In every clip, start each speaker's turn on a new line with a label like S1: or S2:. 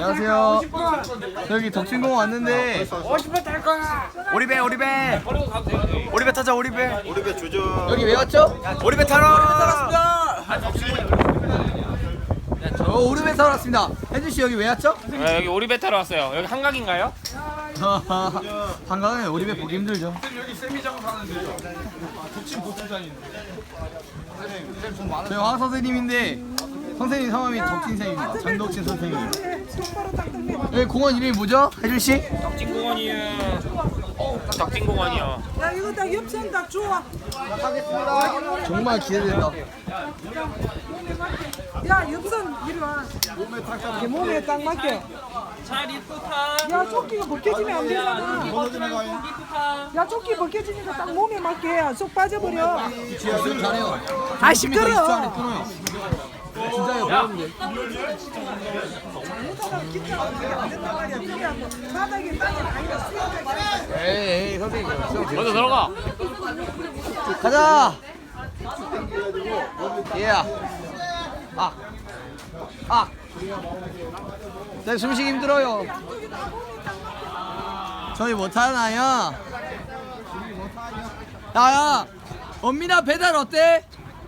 S1: 안녕하세요. 여기 덕진공 왔는데
S2: 50번 탈 거야.
S3: 오리배 타자 오리배 조져.
S1: 여기 왜 왔죠?
S3: 오리배 타러
S1: 저 오르베 타러 왔습니다. 혜준 씨 여기 왜 왔죠?
S2: 여기 오리배 타러 왔어요. 여기 한강인가요?
S1: 한강에 오리배 보기 힘들죠.
S4: 여기 세미장 사는데요. 덕진 보트장인데.
S1: 저희 황 선생님인데 선생님 성함이 덕진 선생님입니다. 장덕진 선생님. 여기 공원 이름이 뭐죠? 혜준 씨?
S2: 덕진공원이요. 덕진공원이요.
S5: 야 이거 다 엽산 다 줘.
S1: 정말 기대된다.
S5: 야 엽산 이리 와. 내 몸에 딱 맡겨.
S2: 잘 이쁘다.
S5: 야 조끼가 벗겨지면 안 되잖아. 야 조끼 벗겨지니까 딱 몸에 맞게 해야 쏙 빠져버려.
S1: 지금 잘해요.
S5: 아
S1: 집에서 20초 안에
S5: 시끄러.
S1: 끊어요. 진짜요, 배웠는데.
S5: 잘못하다가 기타 어떻게 안 된단 말이야. 그게 뭐 바닥에 땅에 아니라 수영장에.
S1: 에이, 선생님.
S2: 먼저 들어가.
S1: 가자. 예. 네, 숨쉬기 힘들어요. 저희 못하나요? 야야, 엄민아 배달 어때?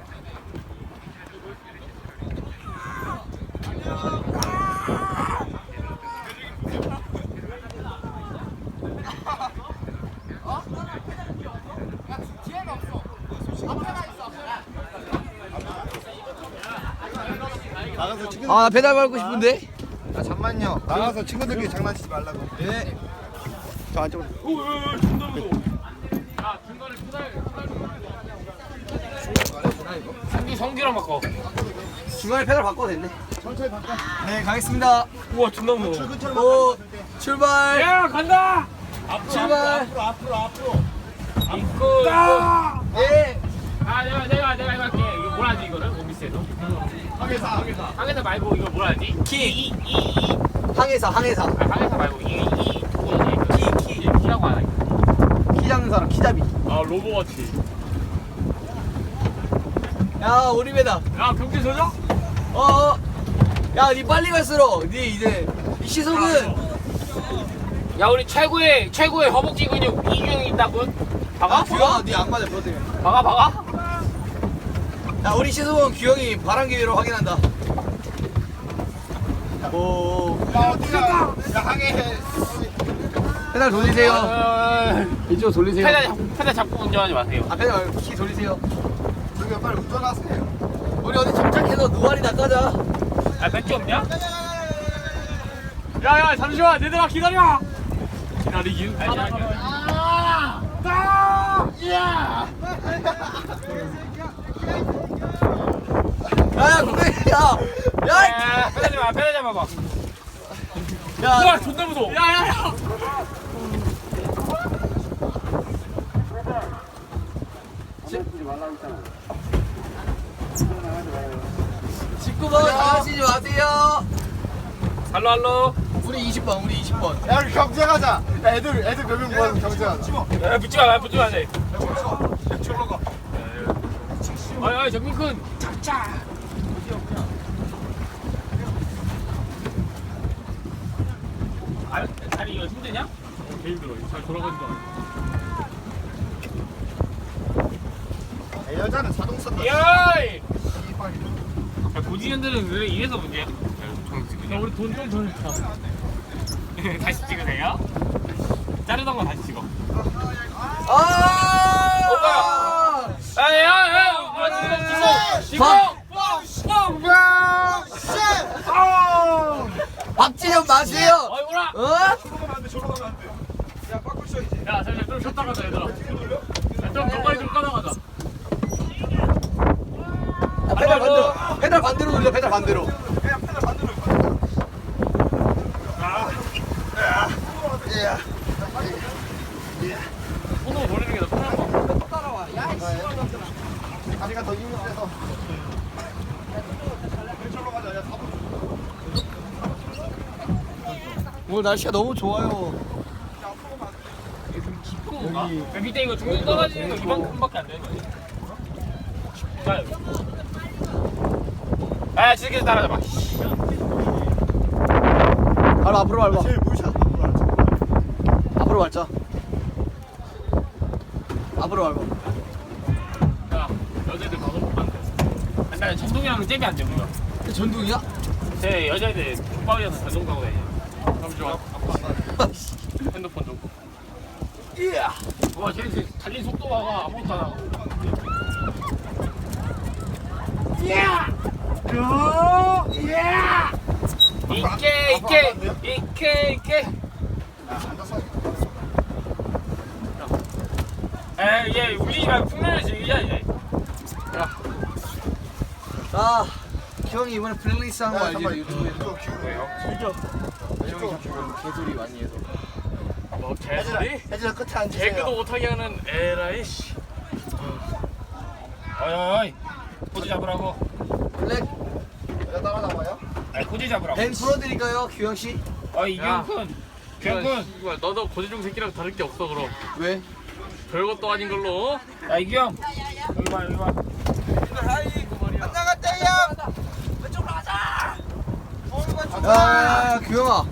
S3: 나가서 친구들.
S1: 아, 나 배달 받고 싶은데.
S3: 잠만요. 나가서 친구들끼리 장난치지 말라고.
S1: 네.
S3: 저 안쪽으로.
S2: 성기랑 바꿔.
S1: 중간에 배달 바꿔도 됐네. 네, 가겠습니다.
S2: 우와 존나 무서워.
S1: 오, 출발.
S2: 야 간다.
S1: 출발.
S2: 입구.
S1: 예.
S2: 내가 이거 할게. 이거 뭐라 하지 이거를 오비스에도? 항해사 말고 이거 뭐라 하지?
S1: 항해사.
S2: 항해사 말고 키라고 하나?
S1: 키 잡는 사람, 키잡이.
S2: 아 로보워치.
S1: 야, 오리배다.
S2: 야 경제 조져?
S1: 야, 니 빨리 갈수록 니 이제 이 시속은
S2: 야 우리 최고의 허벅지 근육 이규영이 있다군. 박아?
S1: 규영아, 니 악마들 보세요.
S2: 박아?
S1: 야, 우리 시속은 규영이 바람 기회로 확인한다. 오,
S3: 야 항해.
S1: 페달 돌리세요. 이쪽 돌리세요.
S2: 페달 잡고 운전하지 마세요.
S1: 아, 페달 말고 키 돌리세요.
S3: 저기 빨리 운전하세요.
S1: 우리 어디 정착해서 누아리나 까자.
S2: 야 맥주 없냐? 야야 잠시만 얘들아 기다려. 기다리긴.
S1: 야, 근데 야,
S2: 페달 잡아봐.
S1: 야,
S2: 우와 존나 무서워. 야야야.
S1: 19번 나가시지 마세요.
S2: 할로.
S1: 우리 20번.
S3: 야 우리 경쟁하자. 야, 애들 몇 명 모아서 경쟁하자.
S2: 야 붙지 마 돼.
S4: 저로 가.
S2: 아야 정민군 잡자. 다리 이거 힘드냐? 개 힘들어. 잘 돌아가지도 않아.
S3: 여자는 자동 쓴다.
S2: 야이! 야, 고지현들은 왜 이래서 문제야? 야, 우리 돈 좀 더 냈다. 다시 찍으세요? 자르던 거 다시 찍어. 지금!
S1: 박진영 마세요.
S2: 어이, 뭐라!
S4: 저로 가면 안 돼. 야, 빠꾸 쳐 이제.
S2: 야, 잠시만, 좀 쉬었다 가자, 얘들아. 야, 좀 가까이 좀 까다가자.
S1: 페달 반대로 돌려. 페달 반대로.
S4: 그냥 페달 반대로.
S2: 손으로 돌리는 게 더 편한 거.
S3: 다리가 더 힘이 세서.
S4: 저로 가자. 야, 4분.
S1: 오늘 날씨가 너무 좋아요.
S2: 야, 밑에 이거 중간 떨어지는 거 이만큼밖에 안 되는 거야. 야, 지금 따라잡아.
S1: 앞으로 밟아.
S3: 제일 무시하.
S1: 앞으로 밟자. 앞으로 밟아.
S2: 야 여자애들 방송 못 봤는데. 나 전동이랑 잽이 안 돼, 우리가.
S1: 전동이야?
S2: 제 여자애들 국밥이어서 전동 타고 다녀. 그럼 좋아. 핸드폰 좀. 이야. 와, 쟤 달린 속도 봐봐. 아무것도 안 하고. 이야. 이야. 이케. 얘 울리지 말고 풍년을 즐기자 이제. 야.
S1: 아, 기영이 이번에 플레이리스트 한 거 알지? 유튜브에.
S3: 이거 기울어요.
S1: 기영이 자꾸 개소리 많이 해서.
S2: 뭐 개소리?
S3: 혜진아 끝에 앉으세요.
S2: 개그도 못하게 하는 에라이 씨. 어이 고지 잡으라고.
S1: 블랙
S3: 내가 따라나와요?
S2: 아니 고지 잡으라고.
S1: 벤 풀어드릴까요, 규영 씨?
S2: 이경군. 경군. 너도 고지중 새끼랑 다를 게 없어 그럼.
S1: 왜?
S2: 별것도 아닌 걸로. 야 이경. 여기 봐.
S1: 야, 규영아.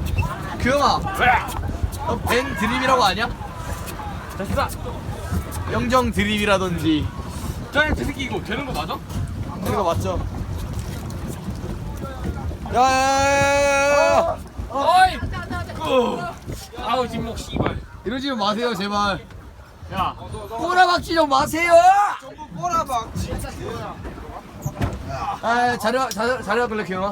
S2: 왜?
S1: 너 벤 드립이라고 아냐?
S2: 됐어.
S1: 영정 드립이라든지.
S2: 저 새끼 이거 되는 거 맞아?
S1: 이거 맞죠? 야.
S2: 어이. 아우 진목 씨발.
S1: 이러지 마세요, 제발.
S2: 야.
S1: 꼬라박지 좀 마세요.
S4: 꼬라박지.
S1: 아, 자료 끌래, 규영아?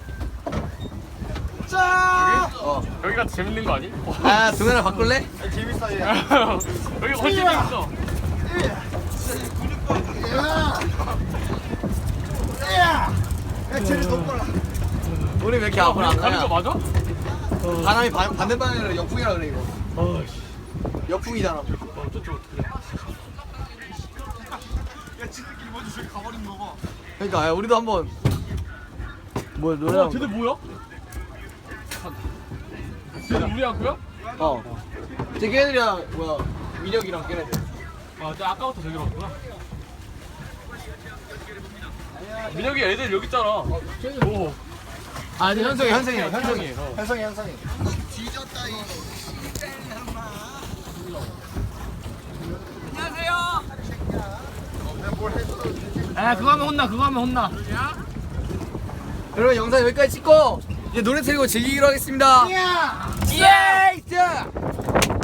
S4: 자.
S2: 여기가 재밌는 거 아니?
S1: 아, 동현아 바꿀래?
S3: 재밌어요.
S2: 여기 훨씬 재밌어.
S3: 야, 제일 높아라.
S1: 우리 왜 이렇게 앞으로 안
S2: 가는 거
S1: 가냐?
S2: 맞아?
S1: 바람이 반대 방향이라 역풍이라 그래 이거.
S2: 어이씨.
S1: 역풍이잖아.
S2: 저쪽 어떻게?
S4: 야 지들끼리 먼저 저기 가버린 거 봐.
S1: 그러니까 야, 우리도 한번 뭐 노래 한번.
S2: 쟤들 뭐야? 쟤들 우리 학교야?
S1: 제 걔네들이랑 뭐야 민혁이랑 걔네들.
S2: 저 아까부터 저기 봤구나. 민혁이 애들 여기 있잖아. 오.
S1: 아니 현성이랑 현성이.
S3: 현성이.
S4: 뒤졌다 이.
S2: 그거 하면 혼나.
S1: 여러분 영상 여기까지 찍고 이제 노래 틀고 즐기기로 하겠습니다. 예! 자.